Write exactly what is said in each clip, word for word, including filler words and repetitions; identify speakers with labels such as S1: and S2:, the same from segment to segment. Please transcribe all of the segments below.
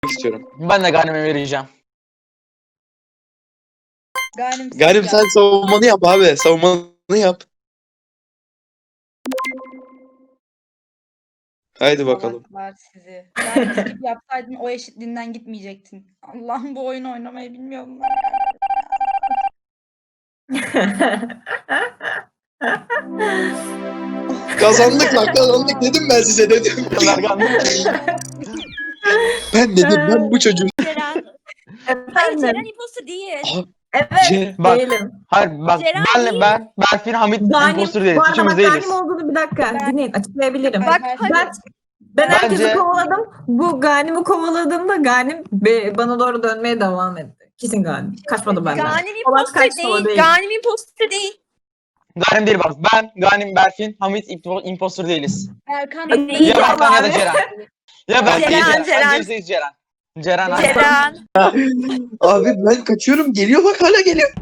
S1: istiyorum.
S2: Ben de Ghanem'e vereceğim.
S3: Ganim,
S1: Galim sen savunmanı yap abi. Savunmanı yap. Haydi bakalım.
S3: Salaklar sizi. Ganim skip yapsaydın o eşitliğinden gitmeyecektin. Allah'ım bu oyunu oynamayı bilmiyor bunlar
S1: Kazandık lan kazandık dedim ben size dedim. Ben dedim ben bu çocuğu.
S4: Ceren. Hayır
S5: Efendim.
S4: Ceren imposter değil.
S5: Evet
S1: Ce-
S2: Bak.
S5: değilim.
S2: Hayır bak
S4: Ceren
S2: ben,
S4: değil.
S2: ben, Berfin, Hamit
S5: Ganim,
S2: impostor değiliz.
S5: bu arada
S2: Üçümüz
S5: bak
S2: değiliz.
S5: Ganim olduğunu bir dakika
S3: Ben-
S5: dinleyin açıklayabilirim.
S3: Ay,
S4: Bak
S3: her-
S4: hadi.
S5: Ben, ben herkesi
S2: Bence-
S5: kovaladım. Bu Ganim'i kovaladığımda Ganim be- bana doğru dönmeye devam etti. Kesin Ganim. Kaçmadı benden.
S4: Ganim
S5: Polat
S4: imposter
S5: kaçtı, o
S4: değil.
S5: değil.
S4: Ganim imposter değil.
S2: Ganem değil bak. Ben, Ganim, Berfin, Hamit impo- impostor değiliz.
S3: Erkan
S5: Değil
S2: Ya
S5: ya
S2: Berkan ya da
S5: abi.
S2: Ceren. Ya Berkan ya
S4: Ceren,
S2: Ceren.
S4: Ceren.
S2: Bence yüzde yüz Ceren. Ceren. abi.
S4: Ceren.
S1: Abi ben kaçıyorum geliyor bak hala geliyor.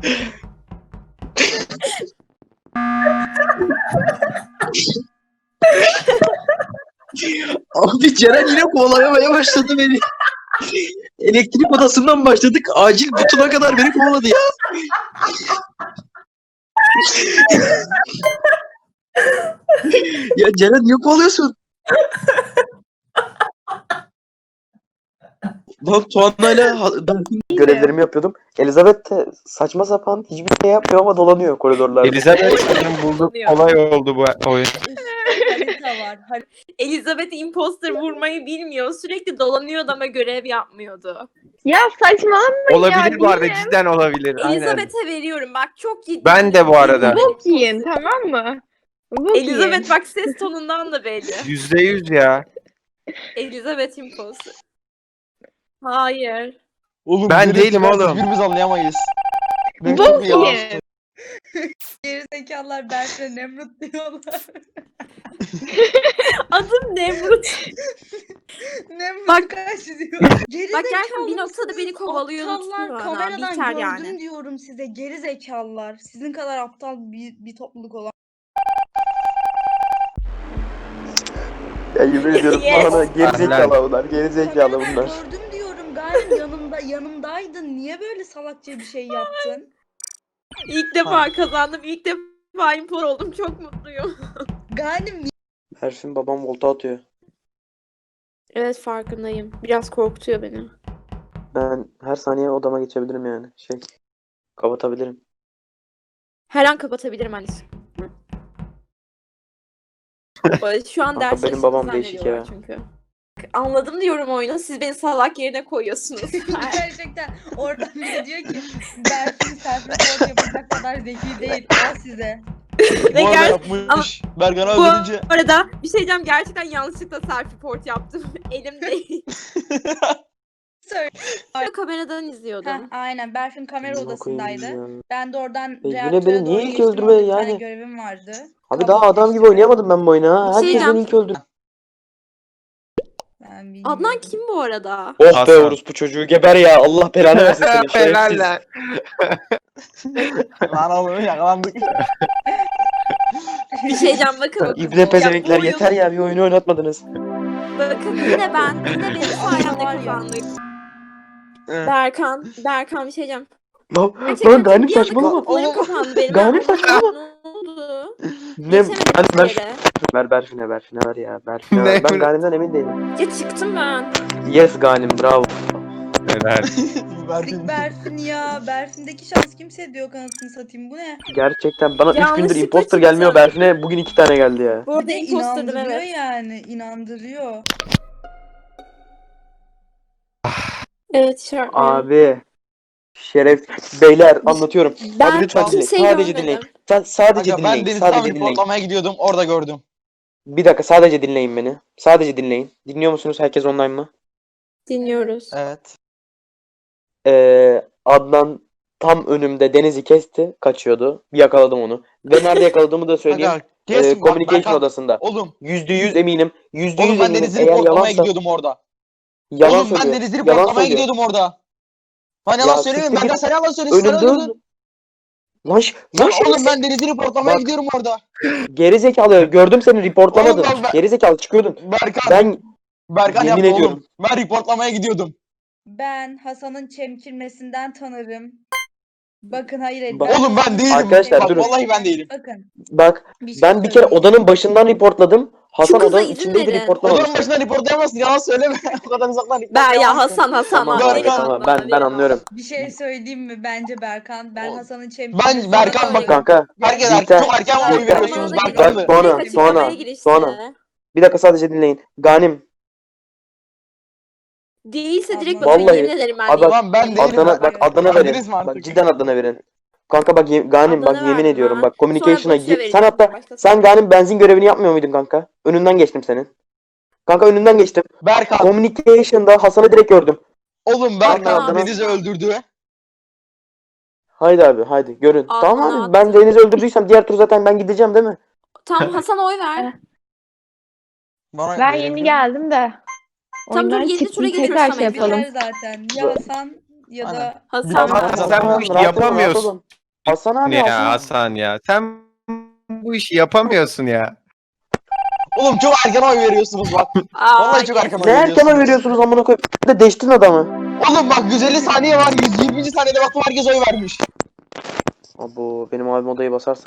S1: Abi Ceren yine kovalamaya başladı beni. Elektrik odasından başladık. Acil butuna kadar beni kovaladı ya. Ya Ceren niye kovalıyorsun? Lan Tuana'yla ha- ben görevlerimi yapıyordum. Elizabeth de saçma sapan hiçbir şey yapmıyor ama dolanıyor koridorlarda.
S6: Elizabeth'in bulduğu olay oldu bu oyun.
S3: harita var. Har-
S4: Elizabeth imposter vurmayı bilmiyor. Sürekli dolanıyordu ama görev yapmıyordu.
S7: Ya saçmalamayın ya.
S6: Olabilir bu arada
S7: yine.
S6: cidden olabilir. Aynen.
S4: Elizabeth'e veriyorum. Bak çok ciddi.
S6: Ben de bu arada.
S7: Bok yiyin tamam mı? Bok yiyin.
S4: Elizabeth bak ses tonundan da belli.
S6: Yüzde yüz ya.
S4: Elizabeth imposter. Hayır.
S2: Oğlum,
S6: Ben
S2: birisi
S6: değilim
S2: ben
S6: oğlum.
S2: Hiçbirimiz anlayamayız. Benim
S7: Bok
S2: çok iyi yalan
S7: yiyin.
S3: Gerizekalılar Berk'le Nemrut diyorlar.
S4: Adım Nemrut.
S3: Nemrut
S4: Bak-
S3: kaç diyor.
S4: Bak
S3: Gerizekalı
S4: gerçekten bir noktada
S3: mısınız?
S4: beni kovalıyor
S3: Aptallar
S4: tutuyor adam.
S3: kameradan
S4: Biter
S3: gördüm
S4: yani.
S3: diyorum size. Gerizekalılar. Sizin kadar aptal bir, bir topluluk olan.
S1: Ya yemin ediyorum
S4: Yes.
S1: bana gerizekalı bunlar. Gerizekalı
S3: Kameradan
S1: bunlar.
S3: gördüm diyorum. Galiba yanımda yanımdaydın. Niye böyle salakça bir şey yaptın?
S4: İlk defa kazandım. İlk defa imposter oldum. Çok mutluyum.
S3: Galim
S1: Berfin babam volta atıyor.
S4: Evet farkındayım. Biraz korkutuyor beni.
S1: Ben her saniye odama geçebilirim yani. Şey kapatabilirim.
S4: Her an kapatabilirim Alice. Şu an
S1: Kanka,
S4: ders
S1: benim babam
S4: çalıştığını
S1: değişik
S4: zannediyorlar çünkü. Anladım diyorum oyunu. Siz beni salak yerine koyuyorsunuz.
S3: gerçekten oradan biri diyor ki Berfin self-report yapacak kadar zeki değil. O size.
S4: Ve
S2: Bu arada
S4: ger-
S2: yapmış. Berkan
S4: Bu
S2: öldürünce.
S4: arada bir şey diyeceğim. Gerçekten yanlışlıkla self-report yaptım. Elim değil.
S3: Söyle.
S4: Kameradan
S3: Heh,
S4: izliyordum.
S3: aynen Berfin kamera
S1: Amına koyayım
S3: odasındaydı.
S1: ya.
S3: Ben de oradan
S1: E, yine
S3: reaktöre
S1: beni
S3: doğru
S1: niye ilk
S3: geçtim,
S1: öldürme
S3: orada bir tane
S1: yani?
S3: görevim vardı.
S1: Abi
S3: Kabul
S1: daha adam gibi
S3: etmiştim.
S1: oynayamadım ben bu oyunu ha.
S4: Bir şey
S1: Herkes
S4: diyeceğim.
S1: beni ilk öldürdü.
S3: Ben bilmiyorum.
S4: Adnan kim bu arada?
S1: Oh be
S6: Hasan.
S1: orospu çocuğu geber ya. Allah belanı versin seni.
S6: Helal
S1: Şerefsiz.
S6: lan.
S2: Lan oğlum yakalandık.
S4: Bir şey diyeceğim bakın. bakın.
S1: İbne pezevenkler
S4: Ya bu oyun-
S1: yeter ya bir oyunu oynatmadınız.
S4: Bakın yine ben. Yine benim sayemde
S3: Var ya.
S4: kazandık. Berkan. Berkan bir şey diyeceğim.
S1: Lan,
S4: Gerçekten
S1: lan Ganim
S4: bir anda
S1: saçmalama.
S4: kapılarım kapandı benim.
S1: Ganim
S4: Ben-
S1: saçmalama.
S4: Ne oldu?
S1: Ne?
S4: Geçemedim
S1: Ben, ver,
S4: bir yere.
S1: ver Berfin'e Berfin'e ver ya. Berfin'e ver.
S6: Ne?
S1: Ben Ganim'den emin değilim.
S4: Ya çıktım ben.
S1: Yes Ganim bravo.
S6: Helal.
S3: Dik Berfin ya. Berfin'deki şans kimse diyor kanıtını satayım. Bu ne?
S1: Gerçekten bana üç gündür
S4: Yanlışlıkla
S1: imposter
S4: çıktı.
S1: gelmiyor. Berfin'e bugün iki tane geldi ya.
S4: Bu arada
S3: Bir de
S4: imposterdım
S3: inandırıyor
S4: evet.
S3: yani. İnandırıyor.
S4: Evet şarkı.
S1: Abi. Şeref. Beyler anlatıyorum.
S4: Ben
S1: Abi lütfen dinleyin.
S4: kimseyi
S1: Sadece
S4: görmedim.
S1: dinleyin. Sa- sadece
S2: Aga, ben
S1: dinleyin.
S2: Deniz
S1: Sadece
S2: tam
S1: dinleyin.
S2: reportlamaya gidiyordum. Orada gördüm.
S1: Bir dakika sadece dinleyin beni. Sadece dinleyin. Dinliyor musunuz? Herkes online mı?
S4: Dinliyoruz.
S2: Evet.
S1: Ee, Adnan tam önümde Deniz'i kesti. Kaçıyordu. Bir yakaladım onu. Ve nerede yakaladığımı da söyleyeyim.
S2: Aga,
S1: Ee,
S2: kesin bak,
S1: communication
S2: Berkan-
S1: odasında.
S2: Oğlum.
S1: Yüzde yüz eminim. Yüzde
S2: Oğlum
S1: yüz
S2: ben
S1: eminim.
S2: Deniz'i
S1: Eğer
S2: reportlamaya
S1: yalansa
S2: gidiyordum orada.
S1: yalan
S2: Oğlum ben
S1: söylüyor.
S2: Deniz'i
S1: Yalan
S2: reportlamaya
S1: söylüyor.
S2: gidiyordum orada. Ben
S1: Ya
S2: yalan söylemiyorum.
S1: siktir
S2: Ben de
S1: git.
S2: sen yalan söylüyorsun. Sen
S1: Önümde
S2: öldürdün.
S1: Lan, ş- lan
S2: Lan
S1: şerefsiz.
S2: oğlum ben Deniz'i reportlamaya
S1: Bak.
S2: gidiyorum orada.
S1: Gerizekalı gördüm seni reportlamadın.
S2: Oğlum bak ben-
S1: Gerizekalı çıkıyordun.
S2: Berkan.
S1: Ben
S2: Berkan
S1: yemin
S2: yapma
S1: ediyorum.
S2: oğlum. Ben reportlamaya gidiyordum.
S3: Ben Hasan'ın çemkirmesinden tanırım. Bakın hayır hayır.
S1: Bak-
S2: Oğlum ben değilim.
S1: Arkadaşlar,
S2: Bak,
S1: durun.
S2: vallahi ben değilim.
S3: Bakın.
S1: Bak
S3: Bir şey
S1: ben bir kere
S3: söyleyeyim.
S1: odanın başından reportladım. Hasan
S4: kıza
S1: odanın
S4: izin
S1: içindeydi
S4: verin.
S1: reportlamamış.
S2: Odanın başına reportlayamazsın. Yalan söyleme. O kadar uzaktan
S4: Ben
S2: reportlayamazsın.
S4: ya Hasan Hasan.
S1: Tamam
S2: Berkan.
S1: abi, tamam ben ben anlıyorum.
S3: Bir şey söyleyeyim mi? Bence Berkan. Ben
S2: O-
S3: Hasan'ın çemkirmesinden
S2: Ben Berkan bak
S1: Kanka
S2: Herkes
S1: Biter.
S2: erken, çok erken oy
S1: Biter.
S2: veriyorsunuz.
S4: Bak,
S2: Berkan
S1: bak,
S2: mı?
S1: sonra,
S4: Direkt
S1: sonra,
S4: açıklamaya girişti.
S1: sonra. bir dakika sadece dinleyin. Ganim
S4: Değilse direkt
S3: Vallahi-
S4: bakın yemin ederim ben
S1: Abi-
S4: değilim.
S2: Lan ben değilim.
S1: Adana bak Adana verin.
S2: Adres mi artık?
S1: Bak cidden Adana verin. Kanka bak ye- Ganim bak
S4: Adana
S1: yemin
S4: verdim
S1: ediyorum
S4: ha.
S1: bak communication'a
S4: Sonra Burç'a
S1: gir. Sen
S4: vereceğim,
S1: hatta
S4: başkası
S1: sen
S4: vereceğim.
S1: Ganim benzin görevini yapmıyor muydun kanka? Önünden geçtim senin. Kanka önünden geçtim.
S2: Berkan.
S1: Communication'da Hasan'ı direkt gördüm.
S2: Oğlum Berkan
S1: Adana-
S2: Deniz'i öldürdü.
S1: Haydi abi haydi görün.
S4: Adana
S1: Tamam abi
S4: attı.
S1: ben Deniz'i öldürdüysem diğer tur zaten ben gideceğim değil mi?
S4: Tamam Hasan oy ver.
S2: Bana
S7: Ben
S2: verebilir
S7: yeni
S2: miyim?
S7: geldim de.
S4: Tamam, dur,
S7: Oyundan
S4: yedi
S7: çıktım,
S4: tura
S7: tekrar
S4: geçiyoruz
S7: şey
S4: Samet.
S7: yapalım.
S3: Biter zaten. Ya Hasan ya da
S2: Aynen.
S4: Hasan.
S2: Tamam,
S6: Hasan,
S2: Hasan,
S6: sen bu işi
S1: rahat olun, rahat
S6: yapamıyorsun.
S1: olun. Hasan abi
S6: Ya
S1: Hasan.
S6: Hasan ya. Sen bu işi yapamıyorsun ya.
S2: Oğlum çok erken oy veriyorsunuz bak.
S4: Aa,
S2: Vallahi çok erken oy
S1: Ne
S2: veriyorsunuz.
S1: erken oy veriyorsunuz amına koyayım. Bir de değiştin adamı.
S2: Oğlum bak yüz elli saniye var. yüz yirminci saniyede baktım herkes oy vermiş.
S1: Abo benim abim odayı basarsa.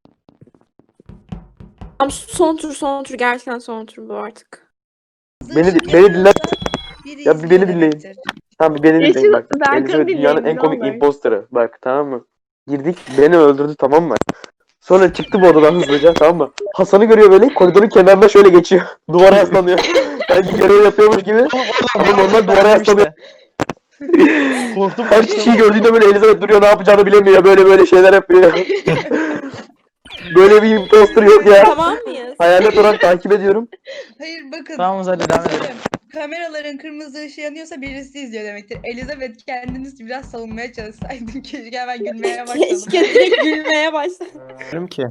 S4: Tamam, son tur son tur gerçekten son tur bu artık.
S1: Beni beni dinle.
S3: biri
S1: Ya bir
S3: izliyor
S1: beni dinleyin.
S3: demektir.
S1: Tamam bir beni
S7: Yeşil
S1: dinleyin bak.
S7: Berkan'ı
S1: Elizabeth
S7: dinleyin,
S1: dünyanın en
S7: ne
S1: komik
S7: olur.
S1: imposterı. Bak tamam mı? Girdik beni öldürdü tamam mı? Sonra çıktı bu odadan hızlıca tamam mı? Hasan'ı görüyor böyle koridorun kenarında şöyle geçiyor. Duvara yaslanıyor. Sanki görev yapıyormuş gibi. Ama normal duvara yaslanıyor.
S2: Korktum.
S1: Her kişiyi gördüğünde böyle Elizabeth duruyor ne yapacağını bilemiyor. Böyle böyle şeyler yapıyor. Böyle bir imposter yok ya.
S4: Tamam mıyız?
S1: Hayalet olarak takip ediyorum.
S3: Hayır bakın.
S2: Tamam hadi devam edelim.
S3: Bakın, kameraların kırmızı ışığı yanıyorsa birisi izliyor demektir. Elizabeth kendiniz biraz savunmaya çalışsaydın. Keşke hemen gülmeye başladım.
S4: Keşke direkt gülmeye başladım.
S6: Diyorum ki.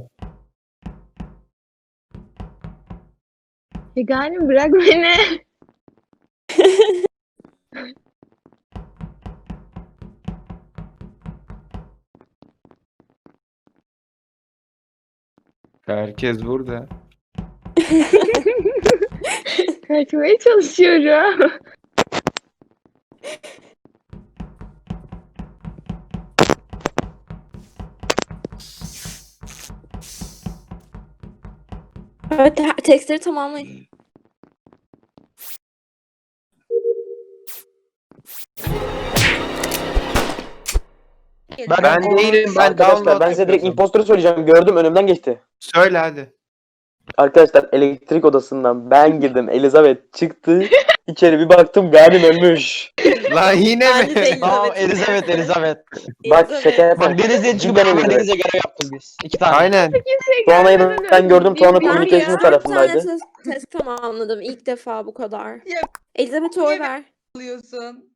S7: Veganim bırak beni.
S6: Herkes burada.
S7: Kaçmaya çalışıyorum.
S4: Evet te- tekstleri tamamlayın.
S2: Ben-
S6: Ben değilim ben
S1: Arkadaşlar
S6: download
S1: ben size direkt
S6: yapıyordum.
S1: imposter'ı söyleyeceğim. Gördüm önümden geçti.
S6: Söyle hadi.
S1: Arkadaşlar elektrik odasından ben girdim. Elizabeth çıktı. İçeri bir baktım Ganim ölmüş.
S6: Lan yine
S4: Ben de
S6: mi?
S4: değilim.
S2: Tamam Elizabeth Elizabeth.
S1: Bak şaka yapma.
S2: Bak Deniz'e çıkıp
S1: Cidden
S2: beraber
S1: Elizabeth.
S2: Deniz'e görev yaptık biz. İki tane.
S6: Aynen.
S1: Tuana'yı ben gördüm. Tuana
S7: Bilmiyorum
S1: communication
S7: ya.
S4: Bir tane
S1: tarafındaydı.
S4: test, test tamamladım ilk defa bu kadar.
S3: Ya-
S4: Elizabeth'e oy
S3: Ya-
S4: ver.
S3: Alıyorsun.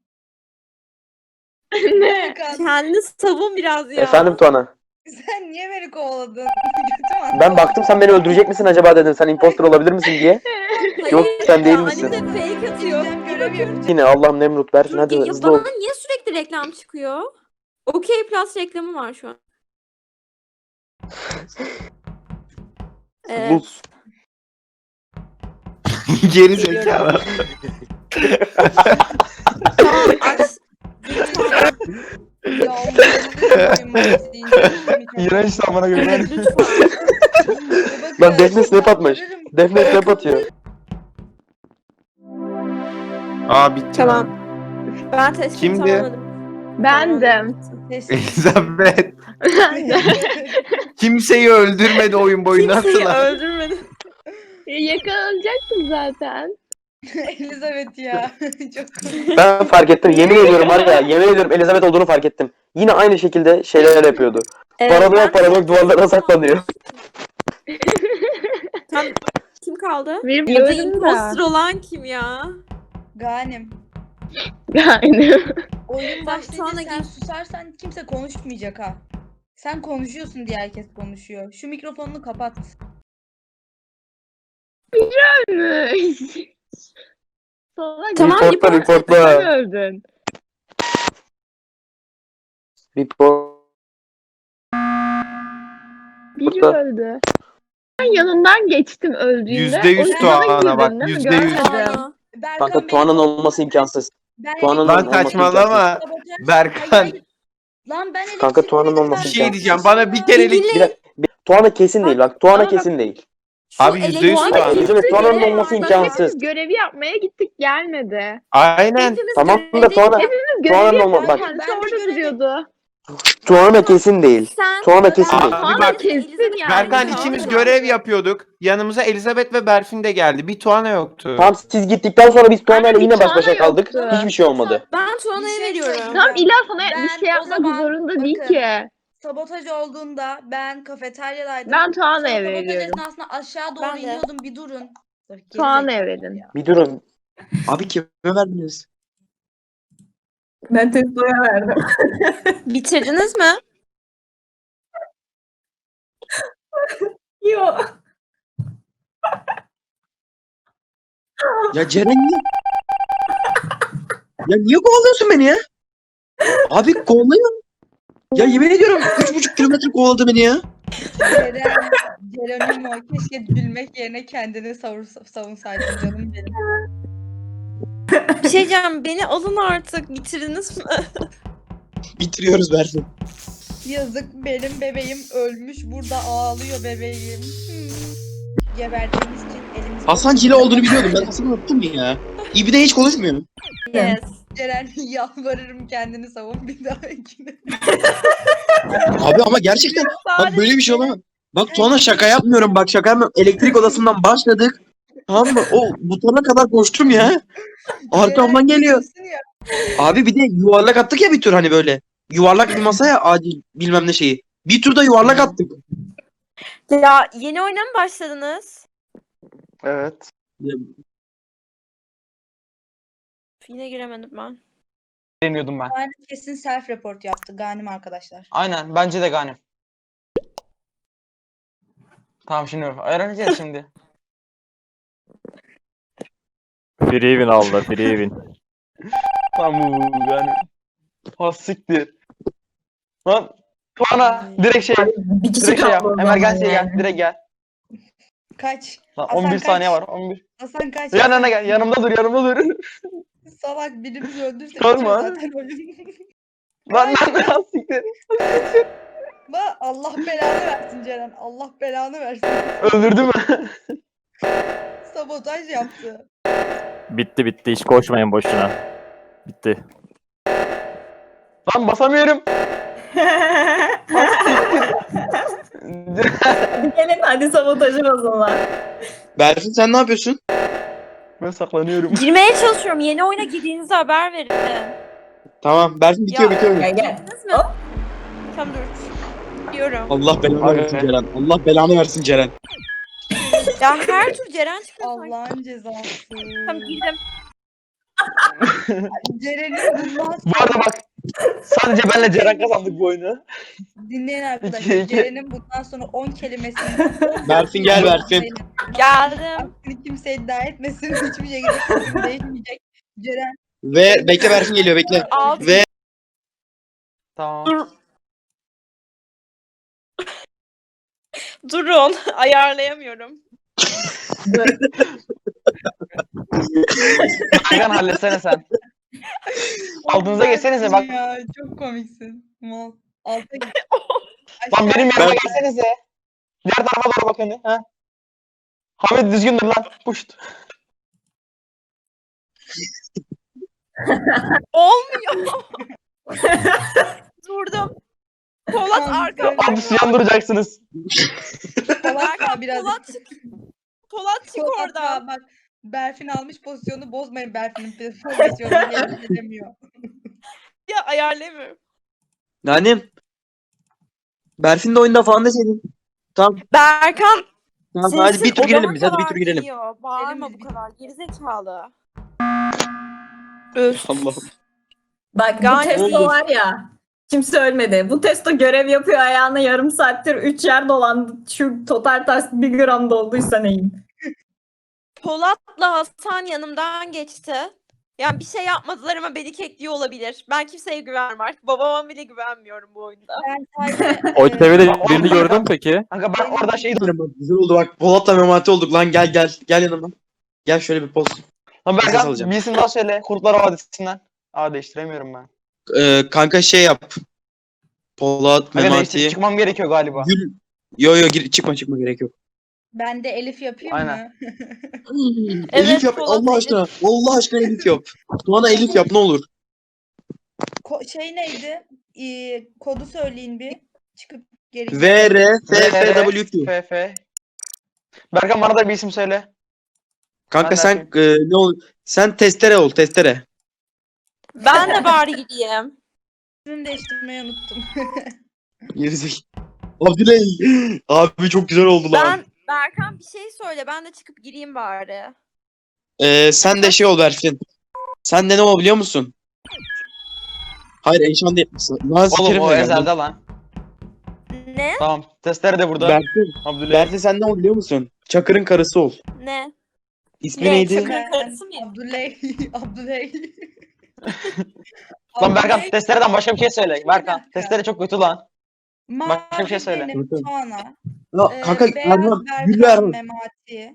S7: Ne?
S3: Berkan,
S4: Kendini savun biraz ya.
S1: Efendim Tuana.
S3: sen niye beni kovaladın? Kötü mü
S1: Ben baktım sen beni öldürecek misin acaba dedim. Sen imposter olabilir misin diye.
S4: Hayır,
S1: Yok, sen değil
S4: ya,
S1: misin?
S4: Ali de fake atıyor.
S3: Bizden görev yapacağım.
S1: Yine Allah'ım Nemrut Berfin
S4: Dur,
S1: hadi
S4: ya
S1: hızlı ol.
S4: bana niye sürekli reklam çıkıyor? Okey Plus reklamı var şu an. Evet.
S1: Buz.
S6: Geri zekalı.
S4: Tamam aç.
S3: Ya Allah'ım oyun deyince
S2: İğrenç samana göre.
S4: Evet lütfen.
S1: Lan Defne snap atmış. Defne snap atıyor.
S6: Aa bitti.
S4: Tamam. Ben testimi
S6: Kimdi?
S4: tamamladım.
S7: Bendim.
S6: Elizabeth. Kimseyi öldürmedi oyun boyu nasıl
S4: Kimseyi
S6: lan?
S4: öldürmedi.
S7: Yakalanacaktım zaten.
S3: Elizabeth ya. Çok komik.
S1: Ben fark ettim. Yemin ediyorum var ya. Yemin ediyorum Elizabeth olduğunu fark ettim. Yine aynı şekilde şeyler yapıyordu.
S4: Ee,
S1: Paranoyak
S4: ben-
S1: paranoyak duvarlara saklanıyor.
S4: Tam kim kaldı?
S7: Bir
S4: Ya da
S7: biliyorum
S4: imposter
S7: da.
S4: olan kim ya?
S3: Ganim.
S7: Yani.
S3: Oyun
S4: Tamam,
S3: başlayınca
S4: sonra
S3: sen
S4: gir.
S3: susarsan kimse konuşmayacak ha. Sen konuşuyorsun diye herkes konuşuyor. Şu mikrofonunu kapat.
S7: Salak.
S4: Tamam,
S1: Reportla
S4: report-
S7: Sen
S1: reportla.
S7: öldün.
S1: Report.
S7: Biri
S1: Burada.
S7: öldü. Ben yanından geçtim öldüğünde.
S6: Yüzde yüz
S7: O yanına
S6: Tuana
S7: girdin
S6: bak,
S7: değil mi?
S6: yüzde yüz.
S7: Görmedim.
S4: Aa,
S3: Berkan
S1: Kanka
S3: beni
S1: Tuana'nın
S3: kolladı.
S1: olması imkansız.
S3: Ben
S1: Tuana'nın
S6: Lan
S3: elektrik-
S6: saçmalama.
S3: Sabotaj-
S6: Berkan.
S3: Hayır, hayır. Lan ben
S1: Kanka,
S3: elektrik
S1: Tuana'nın
S3: dedim,
S1: olması
S3: ben
S6: Bir şey
S1: imkansız.
S6: diyeceğim. Bana bir kerelik
S4: İlgili-
S1: Bir dakika, bir- Tuana kesin değil bak. Tuana
S4: Bana
S1: kesin değil.
S4: Şu
S6: Abi yüzde yüz
S4: elektrik-
S6: Tuana.
S1: Evet, Tuana'nın olması
S4: Bak,
S1: imkansız.
S7: Biz görevi yapmaya gittik gelmedi.
S6: Aynen.
S4: Hepimiz
S1: Tamam da
S4: görev-
S1: Tuana,
S7: Biz
S1: Tuana'nın
S7: görevi
S1: olma
S7: yaptık.
S1: bak.
S7: Kendisi
S3: Ben de
S7: orada
S3: görevi-
S7: duruyordu.
S1: Tuana kesin değil.
S4: Sen
S1: Tuana kesin değil.
S6: Abi
S7: Tuana
S6: bak,
S7: kesin yani.
S6: Berkan
S7: Tuana
S6: ikimiz
S7: da-
S6: görev yapıyorduk. Yanımıza Elizabeth ve Berfin de geldi. Bir Tuana yoktu.
S1: Tamam, siz gittikten sonra biz Tuana'yla
S7: Aynen,
S1: yine
S7: bir
S1: baş başa
S7: Tuana
S1: kaldık.
S7: yoktu.
S1: Hiçbir şey olmadı.
S4: ben
S3: Bir
S4: Tuana'ya
S3: şey
S4: veriyorum.
S3: söyleyeceğim.
S7: Tamam İlla sana
S3: Ben
S7: bir şey
S3: o
S7: yapmak
S3: zaman-
S7: zorunda değil
S3: bakın,
S7: ki.
S3: Sabotaj olduğunda ben kafeteryadaydım.
S7: Ben
S3: Sonra
S7: Tuana'ya
S3: sabotaj
S7: veriyorum.
S3: esnasında aşağı doğru
S4: Ben de.
S3: iniyordum, bir durun. Dur, geri
S7: Tuana'ya
S3: zekalı
S7: verin.
S3: ya.
S1: Bir durun.
S8: Abi kime verdiniz?
S5: Ben testoya verdim.
S4: Bitirdiniz mi?
S5: Yok.
S8: Ya Ceren niye? Ya niye kovalıyorsun beni ya? Abi kovalıyor. Ya yemin ediyorum üç buçuk kilometre kovaladı beni ya.
S3: Ceren, Geronimo keşke gülmek yerine kendini savur, savunsaydın canım benim.
S4: Bir şey diyeceğim. Beni alın artık. Bitirdiniz mi?
S8: Bitiriyoruz Berfin.
S3: Yazık, benim bebeğim ölmüş, burada ağlıyor bebeğim. Hmm. Geberdiğimiz için elimiz...
S8: Hasan Cile olduğunu biliyordum. Ben Hasan'ı unuttum ya. İbi de hiç konuşmuyor.
S4: Yes.
S3: Ceren, yalvarırım kendini savun bir dahakine.
S8: Abi ama gerçekten bak böyle bir şey olamaz. Bak Tuana şaka yapmıyorum. Bak şaka yapmıyorum. Elektrik odasından başladık. Tamam mı? O butona kadar koştum ya. Arkamdan
S3: Ceren,
S8: geliyor.
S3: diyorsun ya,
S8: Abi bir de yuvarlak attık ya bir tur hani böyle. Yuvarlak bir masaya acil bilmem ne şeyi. Bir turda yuvarlak attık.
S4: Ya yeni oyuna mı başladınız?
S1: Evet.
S4: Yine giremedim ben.
S2: Deniyordum ben.
S3: Ganim kesin self report yaptı Ganim arkadaşlar.
S2: Aynen. Bence de Ganim. Tamam şimdi öğreneceğiz şimdi.
S9: Free win aldı, free win.
S2: Tamam bu yani. Ha siktir. Lan Tuana direkt şey
S5: Bir kişi
S2: direkt şey yap.
S5: kaldı o
S2: Emergency'ye
S5: zaman
S2: gel.
S5: yani.
S2: Direkt gel.
S3: Kaç.
S2: Lan
S3: Hasan
S2: on bir
S3: kaç.
S2: saniye var. on bir.
S3: Hasan kaç.
S2: Yanına gel. Yanımda dur. Yanımda dur.
S3: Salak, birimizi öldürse
S2: Sorma.
S3: bitiyor zaten oyun.
S2: Lan lan lan siktir.
S3: Ba- Allah belanı versin Ceren. Allah belanı versin.
S2: Öldürdü mü?
S3: Sabotaj yaptı.
S9: Bitti bitti, hiç koşmayın boşuna. Bitti.
S2: Lan basamıyorum.
S5: Gelin hadi sabotajı o zaman.
S8: Berfin sen ne yapıyorsun?
S2: Ben saklanıyorum.
S4: Girmeye çalışıyorum. Yeni oyuna girdiğinizde haber verin.
S8: Tamam Berfin bitiyor
S4: Ya.
S8: bitiyor.
S5: Gel gel.
S4: Girdiniz mi? Tamam dur. Diyorum.
S8: Allah belanı
S2: Abi.
S8: versin Ceren. Allah belanı versin Ceren.
S4: Ya her tur Ceren çıkıyor. sanki.
S3: Allah'ın cezası.
S4: Tamam girdim.
S3: Ceren'in bundan
S2: Bu arada bak. Sadece benle Ceren kazandık bu oyunu.
S3: dinleyin arkadaşlar.
S2: İki, iki.
S3: Ceren'in bundan sonra on kelimesini
S8: Berfin gel Berfin.
S4: Geldim.
S3: Aksini kimse iddia etmesin. Hiçbir şekilde fikrim değişmeyecek. Ceren
S8: Ve bekle Berfin geliyor bekle.
S4: Altı.
S8: Ve
S2: Tamam.
S4: Durun. Ayarlayamıyorum.
S2: Hakan halletsene sen. Altınıza geçsenize bak.
S3: Ya çok komiksin. Mal. Alta git.
S2: Lan benim
S3: Aşağı-
S2: yanıma gelsenize. Diğer tarafa doğru bakın. Ha? Hamit düzgündür lan. Puşt.
S4: Olmuyor. Durdum. Polat
S3: Tamam,
S4: arka.
S3: söyle.
S2: Abi suyan duracaksınız.
S3: Polat da biraz.
S4: Polat çık. Polat çık
S3: Polat
S4: oradan.
S3: da bak. Berfin almış pozisyonu bozmayın. Berfin'in pozisyonunu yerine gelemiyor.
S4: Ya ayarlayamıyorum.
S8: Nanim. Berfin de oyunda falan deseydin. Tamam.
S4: Berkan.
S8: Tamam
S4: sesin
S8: hadi bir tur girelim
S4: odama
S8: biz hadi bir
S4: kadar
S8: tur girelim.
S4: geliyor. Bağırma
S3: Girelim
S4: bu
S3: biz.
S4: kadar. Gerizekalı. Öf.
S8: Allah'ım.
S5: Bak bu
S4: Gayet
S5: testo
S8: iyi.
S5: var ya. Kimse ölmedi. Bu testo görev yapıyor ayağına yarım saattir üç yer dolandı. Şu total task bir gram dolduysa neyim?
S4: Polat'la Hasan yanımdan geçti. Yani bir şey yapmadılar ama beni kekliyor olabilir. Ben kimseye güvenmem artık. Babama bile güvenmiyorum bu oyunda.
S3: Ben sadece...
S9: O
S3: e,
S9: çevrede
S2: Bak,
S9: birini
S2: orada-
S9: gördün mü peki?
S2: Kanka ben orada şey
S8: Bak, güzel oldu bak. Polat'la memati olduk lan gel gel. Gel yanıma. Gel şöyle bir poz.
S2: Lan
S8: Nefes
S2: Berkan
S8: alacağım.
S2: bilsin daha söyle. Kurtlar Vadisi'nden. Aa değiştiremiyorum ben.
S8: Ee, kanka şey yap. Polat,
S2: Hadi değiştir.
S8: Memati,
S2: Çıkmam gerekiyor galiba.
S8: Gül. Yo yo gir, çıkma çıkma gerek yok.
S3: Ben de Elif yapayım
S2: Aynen.
S3: mı?
S4: Evet,
S8: Elif yap
S4: Polat,
S8: Allah
S4: Elif.
S8: aşkına. Allah aşkına Elif yap. Tuana Elif yap ne olur.
S3: Ko- şey neydi? Ee, kodu söyleyin bir. Çıkıp geri.
S8: V R F F W Q.
S2: F F. Berkan bana da bir isim söyle.
S8: Kanka
S2: Ben de
S8: sen e, ne ol? Sen testere ol testere.
S4: Ben de bari gideyim.
S3: İsmini değiştirmeyi unuttum.
S8: Gerizek. Abdüley. Abi çok güzel oldu lan.
S4: Ben Berkan bir şey söyle. Ben de çıkıp gireyim bari.
S8: Ee, sen de şey ol Berfin. Sen de ne ol biliyor musun? Hayır Eyşan değil. Nazlı
S2: Oğlum
S8: Kerim
S2: o
S8: de geldi.
S2: ezelde lan.
S4: Ne?
S2: Tamam. Testere de burada.
S8: Berfin.
S2: Abdüley.
S8: Berfin sen ne ol biliyor musun? Çakır'ın karısı ol.
S4: Ne?
S8: İsmi
S4: Ne?
S8: neydi?
S4: Çakır-
S3: Ben-
S4: karısı mıyım?
S3: Abdüley. Abdüley.
S2: Lan Berkan
S3: Abdüley-
S2: testereden başka bir şey söyle. Berkan testere çok kötü lan.
S3: Mavi
S2: başka bir şey söyle.
S3: benim
S8: Bakın.
S3: Tuana.
S8: Ya,
S3: Ee,
S8: kanka
S3: beyaz
S8: Erman. Güllü
S3: Berkan
S8: Erman.
S3: Memati.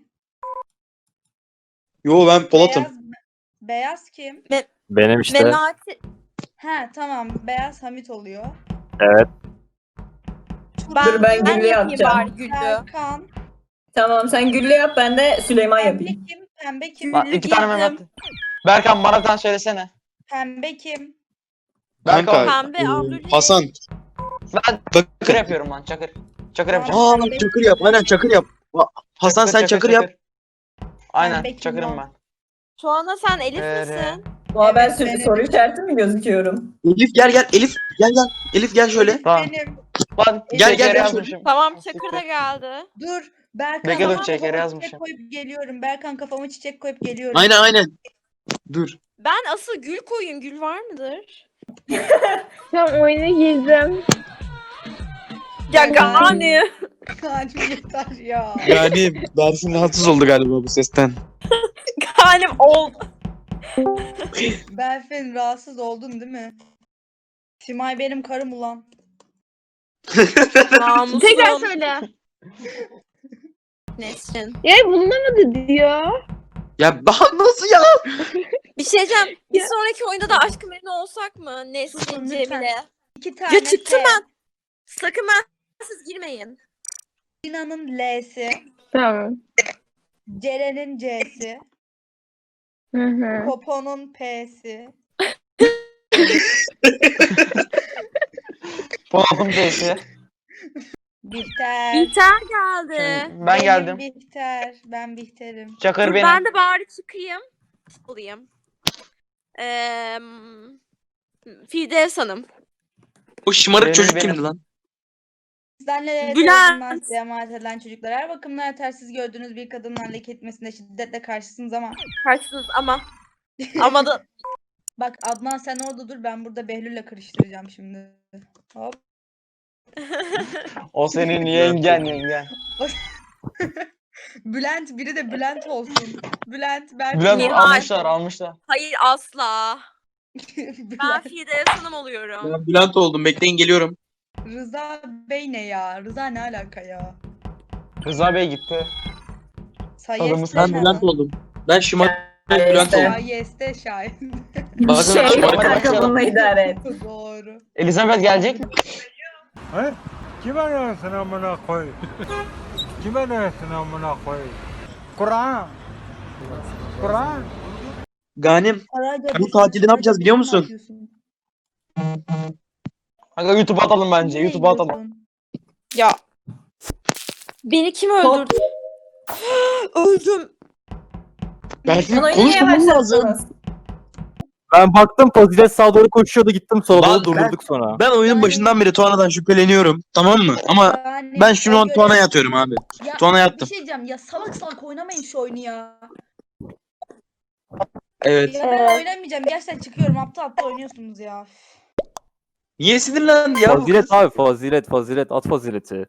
S8: Yo ben Polat'ım.
S3: Beyaz, beyaz kim?
S9: Benim işte.
S4: Memati.
S3: Ha tamam. Beyaz Hamit oluyor.
S9: Evet.
S4: Ben,
S5: Dur, ben Güllü
S4: yapayım
S5: yapacağım.
S4: bari Güllü.
S3: Serkan.
S5: Tamam sen Güllü yap ben de Süleyman yapayım.
S3: Pembe kim? Pembe kim?
S2: Lan
S4: Güllü
S2: iki tane
S4: girdim.
S2: Mehmet. Berkan bana bir tane söylesene.
S3: Pembe kim?
S2: Berkan.
S8: Kanka
S4: Pembe,
S8: e,
S4: Abdüley.
S8: Hasan.
S2: Ben çakır
S8: Bakın.
S2: yapıyorum lan çakır. Çakır yapacağım.
S8: Aa bak Çakır yap. Aynen Çakır yap. Aa, Hasan sen Çakır yap.
S2: Aynen
S3: Pembe kim
S2: çakırım
S3: lan?
S2: ben.
S4: Tuana sen Elif
S2: Ee,
S4: misin?
S5: Aa, ben
S3: Evet,
S5: sür-
S3: benim.
S5: soru işareti mi gözüküyorum?
S8: Elif gel gel. Elif gel gel. Elif gel şöyle.
S2: Tamam.
S3: Benim.
S2: Lan
S8: Gel, gel,
S2: şeker
S8: gel
S2: yazmışım.
S4: Tamam Çakır da geldi.
S3: Dur. Berkan
S2: Bekle, dur,
S3: kafama
S2: çekeri
S3: çiçek
S2: yazmışım.
S3: koyup geliyorum. Berkan kafama çiçek koyup geliyorum.
S8: Aynen aynen. Dur.
S4: Ben asıl gül koyun. Gül var mıdır?
S7: Tam oyuna girdim.
S4: Ya Gani.
S3: Yani yeter ya.
S8: Yani Berfin rahatsız oldu galiba bu sesten.
S4: Ganim oldu.
S3: Berfin rahatsız oldun değil mi? Simay benim karım ulan.
S4: Namusum.
S7: Tekrar söyle.
S4: Nesrin.
S7: Ya bulunamadı diyor.
S8: Ya daha nasıl ya?
S4: Bir şey diyeceğim. Bir
S7: Ya.
S4: sonraki oyunda da Aşk-ı Memnu olsak mı? Nesrin,
S3: Lütfen.
S4: Cemile.
S3: İki tane
S4: Ya çıktım
S3: F.
S4: ben. Sakın ben siz girmeyin.
S3: Sinan'ın L'si.
S7: Tamam.
S3: Ceren'in C'si.
S7: Hı hı.
S3: Popo'nun P'si.
S2: Polat'ın teyze.
S3: Bihter.
S4: Bihter geldi.
S2: Ben
S3: Benim
S2: geldim.
S3: Bihter. Ben Bihter'im.
S2: Çakır
S4: Dur,
S2: benim.
S4: ben de bari çıkayım. Olayım. Ee, Firdevs Hanım.
S8: O şımarık
S2: Benim,
S8: çocuk
S2: benim.
S8: kimdi lan?
S3: Sizlerle
S4: Bülent.
S3: emanet edilen çocuklar her bakımdan yetersiz gördüğünüz bir kadının leke etmesine şiddetle karşısınız ama
S4: Karşınız ama. Ama da
S3: bak Adnan sen orada dur ben burada Behlül'le karıştıracağım şimdi. Hop.
S2: O senin yengen yengen.
S3: Bülent biri de Bülent olsun. Bülent ben
S2: Bülent
S4: Nihal.
S2: almışlar almışlar.
S4: hayır asla. Ben
S3: Bülent.
S4: Firdevs Hanım oluyorum.
S8: Ben Bülent oldum. Bekleyin geliyorum.
S3: Rıza Bey ne ya? Rıza ne alaka ya?
S2: Rıza Bey gitti.
S3: Sayeste
S8: Ben Bülent oldum. Ben şımarık Bülent oldum.
S3: Sayeste şahit.
S8: Bakın
S5: Şey,
S8: şımarık.
S2: Hadi
S5: kanka
S2: başlayalım.
S5: bununla idare et.
S3: Doğru.
S2: Elizabeth gelecek mi?
S10: He? Kime dersin amına koy? Kime dersin amına koy? Kur'an. Kur'an.
S8: Ganim.
S3: Karaca
S8: Bu tatilde ne yapacağız biliyor musun?
S2: Kanka YouTube'a atalım bence. YouTube'a atalım.
S4: Ya. Beni kim öldürdü? Öldüm.
S8: Berfin
S5: Onu niye
S8: konuşmamız lazım.
S5: başlattınız?
S9: Ben baktım Fazilet sağa doğru koşuyordu gittim sola
S8: Lan
S9: doğru
S8: ben-
S9: durdurduk sonra.
S8: Ben oyunun başından beri Tuana'dan şüpheleniyorum. Tamam mı? Ama
S3: Yani
S8: ben şimdi
S3: o
S8: onu
S3: göre-
S8: Tuana'ya atıyorum abi.
S3: Ya,
S8: Tuana yattım.
S3: Bir şey diyeceğim ya salak salak oynamayın şu oyunu ya.
S8: Evet.
S3: Ya ben oynamayacağım gerçekten çıkıyorum aptal aptal oynuyorsunuz ya.
S8: Niye sinirlendi ya? bu
S9: Fazilet
S8: kız?
S9: abi fazilet fazilet at fazileti.